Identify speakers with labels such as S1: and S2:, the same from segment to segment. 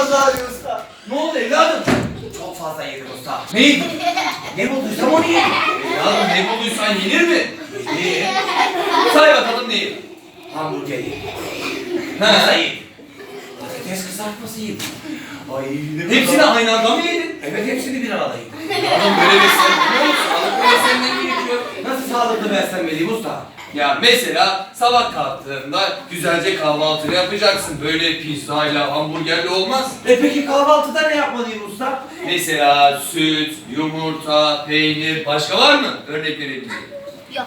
S1: fazla ağrıyor usta.
S2: Ne oldu evladım?
S1: Çok fazla yedim usta.
S2: Ne yedin?
S1: Ne bulduysam onu yedim.
S2: Evladım ne bulduysan yenir mi?
S1: İyi.
S2: Say bakalım ne yedin?
S1: Hamburger yedim.
S2: Ha.
S1: Pizza yedim. Patates kızartması yedim. Ay ne
S2: Hepsini
S1: kadar-
S2: aynı anda mı yedin?
S1: Evet hepsini bir arada yedim.
S2: Evladım böyle beslenmiyor musun? Sağlıklı beslenmen gerekiyor.
S1: Nasıl sağlıklı beslenmeliyim usta?
S2: Ya mesela sabah kalktığında güzelce kahvaltını yapacaksın. Böyle pizzayla, hamburgerle olmaz.
S1: Peki kahvaltıda ne yapmalıyım usta?
S2: Mesela süt, yumurta, peynir, başka var mı? Örnek verebileceğim.
S3: Yok.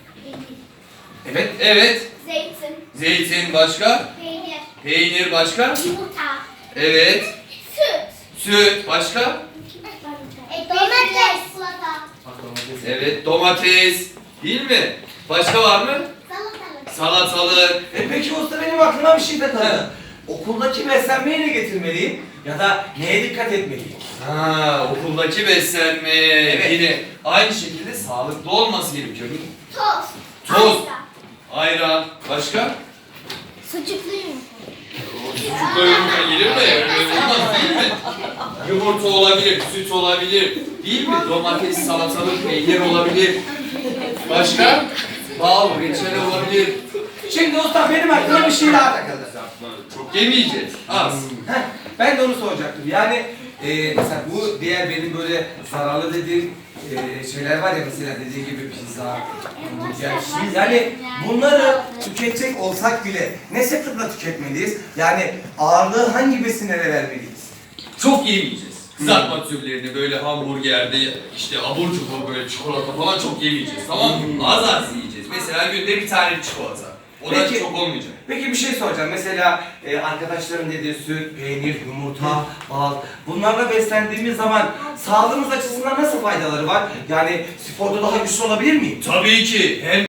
S2: Evet, evet.
S3: Zeytin,
S2: Zeytin başka?
S3: peynir,
S2: Peynir başka?
S3: yumurta,
S2: Evet.
S3: süt,
S2: Süt başka?
S3: domates, salata,
S2: Evet, domates. Değil mi? Başka var mı?
S3: salatalık.
S2: Salatalık.
S1: Peki usta benim aklıma bir şey takıldı. Okuldaki beslenmeyi ne getirmeliyim? Ya da neye dikkat etmeliyim?
S2: Ha, okuldaki beslenme.
S1: Evet.
S2: Yine aynı şekilde sağlıklı olması gerekiyor.
S3: Tost,
S2: Tost.
S3: pasta,
S2: Ayran. Başka?
S3: sucuklu yumurta.
S2: Sucukla yumurta gelir mi? Öyle olmaz değil mi? Yumurta olabilir, süt olabilir. Değil mi? Domates, salatalık, peynir olabilir. Başka? Bal, reçel olabilir.
S1: Şimdi usta benim aklıma bir şey daha takıldı.
S2: Çok yemeyeceğiz. Az.
S1: Heh, ben de onu soracaktım. Yani mesela bu diğer benim böyle zararlı dediğim şeyler var ya, mesela dediği gibi pizza, hamburger. Yani bunları tüketecek olsak bile ne sıklıkla tüketmeliyiz? Yani ağırlığı hangi besinlere vermeliyiz?
S2: Çok yemeyeceğiz. Kızartma türlerini böyle hamburgerde, işte abur cubur böyle çikolata falan çok yemeyeceğiz. Tamam mı? Az az yiyeceğiz. Mesela günde bir tane çikolata. O da
S1: Peki.
S2: çok olmayacak.
S1: Peki bir şey soracağım. Mesela arkadaşların dediği süt, peynir, yumurta, bal. Bunlarla beslendiğimiz zaman sağlığımız açısından nasıl faydaları var? Yani sporda daha güçlü olabilir miyim?
S2: Tabii ki. Hem